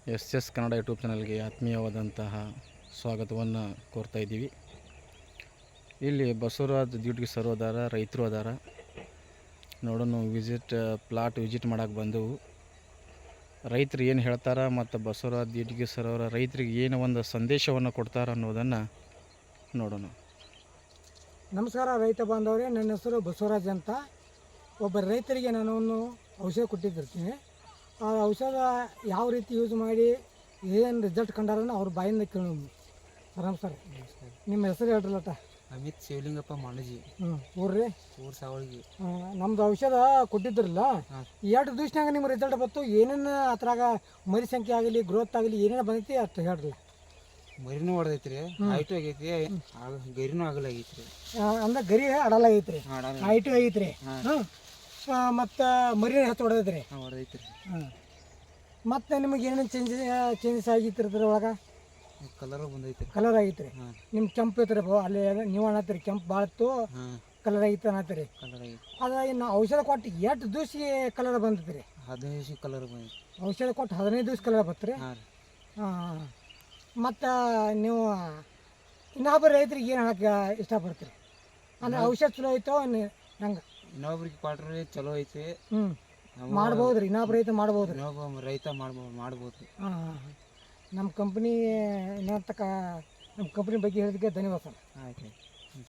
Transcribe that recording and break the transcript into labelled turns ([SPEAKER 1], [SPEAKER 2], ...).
[SPEAKER 1] S Kannada YouTube ಚಾನಲ್ಗೆ ಆತ್ಮೀಯವಾದಂತಹ ಸ್ವಾಗತವನ್ನು ಕೋರ್ತಾ ಇದ್ದೀವಿ. ಇಲ್ಲಿ ಬಸವರಾಜ್ ಡ್ಯೂಟಿಗೆ ಸರ್ ಅದಾರ, ರೈತರು ಅದಾರ. ನೋಡೋಣ ಪ್ಲಾಟ್ ವಿಸಿಟ್ ಮಾಡೋಕೆ ಬಂದೆವು. ರೈತರು ಏನು ಹೇಳ್ತಾರೆ ಮತ್ತು ಬಸವರಾಜ್ ಡ್ಯೂಟಿಗೆ ಸರ್ ಅವರ ರೈತರಿಗೆ ಏನು ಒಂದು ಸಂದೇಶವನ್ನು ಕೊಡ್ತಾರೆ ಅನ್ನೋದನ್ನು ನೋಡೋಣ.
[SPEAKER 2] ನಮಸ್ಕಾರ ರೈತ ಬಾಂಧವರೇ, ನನ್ನ ಹೆಸರು ಬಸವರಾಜ್ ಅಂತ. ಒಬ್ಬ ರೈತರಿಗೆ ನಾನು ಒಂದು ಔಷಧ ಕೊಟ್ಟಿದ್ದಿರ್ತೀನಿ. ಆ ಔಷಧ ಯಾವ ರೀತಿ ಯೂಸ್ ಮಾಡಿ ಏನು ರಿಸಲ್ಟ್ ಕಂಡಾರನ್ನ ಅವ್ರ ಬಾಯಿಂದ ಕೇಳೋದು. ಆರಾಮ್ ಸರ್, ನಿಮ್ಮ ಹೆಸರು ಹೇಳ್ರಲ್ಲಟ.
[SPEAKER 3] ಅಮಿತ್ ಶಿವಲಿಂಗಪ್ಪ ಮಾಣಜಿ.
[SPEAKER 2] ಊರ್ರಿ
[SPEAKER 3] ಊರು ಸಾವಳಿಗೆ.
[SPEAKER 2] ನಮ್ದು ಔಷಧ ಕೊಟ್ಟಿದ್ರಲ್ಲ, 2 ದಿವ್ಸನಾಗ ನಿಮ್ಮ ರಿಸಲ್ಟ್ ಬಂತು. ಏನೇನು ಅದ್ರಾಗ ಮರಿ ಸಂಖ್ಯೆ ಆಗಲಿ, ಗ್ರೋತ್ ಆಗಲಿ, ಏನೇನು ಬಂದೈತಿ ಅಷ್ಟು ಹೇಳ್ರಲ್ಲ.
[SPEAKER 3] ಮರಿನೂ ಹೊಡೆದೈತ್ರಿ, ಹೈಟು ಆಗೈತಿ, ಗರಿನೂ ಆಗಲಾಗೈತ್ರಿ.
[SPEAKER 2] ಅಂದ್ರೆ ಗರಿ ಅಡಲಾಗೈತ್ರಿ, ಹೈಟು ಆಗೈತ್ರಿ, ಮತ್ತು ಮರಿನ ಹೆಚ್ಚು ಹೊಡೆದೈತ್ರಿ.
[SPEAKER 3] ಹೊಡೆದೈತ್ರಿ.
[SPEAKER 2] ಮತ್ತು ನಿಮಗೆ ಏನೇನು ಚೇಂಜಸ್ ಆಗಿತ್ತು ಅದ್ರೊಳಗೆ?
[SPEAKER 3] ಕಲರ್ ಬಂದೈತ್ರಿ.
[SPEAKER 2] ಕಲರ್ ಆಗೈತ್ರಿ. ನಿಮ್ಮ ಕೆಂಪು ಐತ್ರಿ, ಅಲ್ಲಿ ನೀವು ಅನ್ನತ್ತೀರಿ ಕೆಂಪು ಭಾಳತ್ತು ಕಲರ್ ಆಗಿತ್ತು ಅನ್ನತ್ತೀರಿ. ಅದ ಇನ್ನು ಔಷಧ ಕೊಟ್ಟು 8 ದಿವ್ಸಿಗೆ ಕಲರ್ ಬಂದೈತ್ರಿ.
[SPEAKER 3] 15 ದಿವ್ಸಕ್ಕೆ ಕಲರ್ ಬಂದೈತಿ.
[SPEAKER 2] ಔಷಧ ಕೊಟ್ಟು 15 ದಿವ್ಸ ಕಲರ್ ಬತ್ರಿ. ಹಾಂ. ಮತ್ತು ನೀವು ಇನ್ನೊಬ್ಬರು ರೈತರಿಗೆ ಏನು ಹೇಳಕ್ಕೆ ಇಷ್ಟಪಡ್ತೀರಿ? ಅಂದರೆ ಔಷಧ ಚಲೋ ಐತೋ ಹೆಂಗೆ?
[SPEAKER 3] ಇನ್ನೊಬ್ರಿಗೆ ಕ್ವಾಟ್ರಿ ಚಲೋ ಐತಿ.
[SPEAKER 2] ಮಾಡ್ಬೋದ್ರಿ, ಇನ್ನೊಬ್ಬ ರೈತ ಮಾಡ್ಬೋದು.
[SPEAKER 3] ಇನ್ನೊಬ್ಬ ರೈತ ಮಾಡ್ಬೋದು.
[SPEAKER 2] ಹಾಂ. ನಮ್ಮ ಕಂಪ್ನಿ ನಮ್ಮ ಕಂಪ್ನಿ ಬಗ್ಗೆ ಹೇಳಿದಕ್ಕೆ ಧನ್ಯವಾದ ಸರ್.
[SPEAKER 3] ಆಯ್ತು.